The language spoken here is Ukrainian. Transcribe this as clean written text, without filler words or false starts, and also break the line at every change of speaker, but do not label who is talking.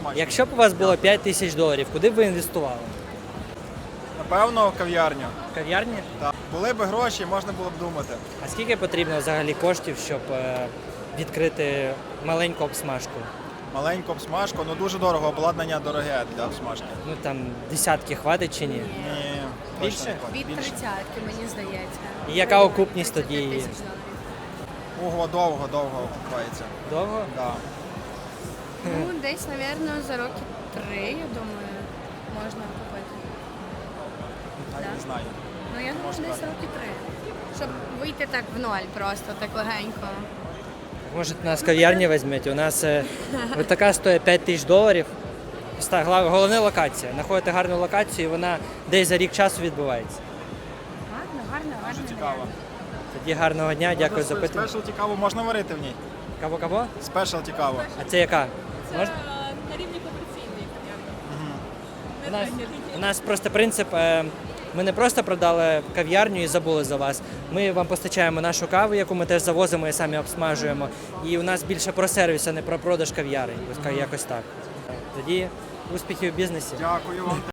смачно.
Якщо б у вас було 5 тисяч доларів, куди б ви інвестували?
Напевно, в кав'ярню.
В кав'ярні?
Так. Були б гроші, можна було б думати.
А скільки потрібно взагалі коштів, щоб відкрити маленьку обсмажку?
Маленьку обсмажку, ну дуже дорого, обладнання дороге для обсмажки.
Ну там десятки хватить чи ні?
Ні,
Більше?
точно не хватить.
Від 30-ки, мені здається.
І яка окупність тоді
35
є?
тисяч доларів.
Ого, довго окупається.
Довго?
Да.
Ну, десь, напевно, за роки 3, я думаю, можна купити.
Навіть
Да.
не знаю.
Ну, я думаю,
Може,
десь
так.
роки 3. Щоб вийти так в ноль просто, так легенько.
Може, нас кав'ярні візьмете? У нас от така стоїть 5 тисяч доларів. Головна локація. Знаходите гарну локацію, і вона десь за рік часу відбувається.
Гарно,
Дуже цікаво.
Тоді гарного дня, дякую за питання.
Спешалті каву можна варити в ній?
Кого?
Спешалті каву.
А це яка? Можна?
На рівні комерційний,
У нас просто принцип, ми не просто продали кав'ярню і забули за вас. Ми вам постачаємо нашу каву, яку ми теж завозимо і самі обсмажуємо. І у нас більше про сервіс, а не про продаж кав'яри. Якось так. Тоді успіхів в бізнесі.
Дякую вам.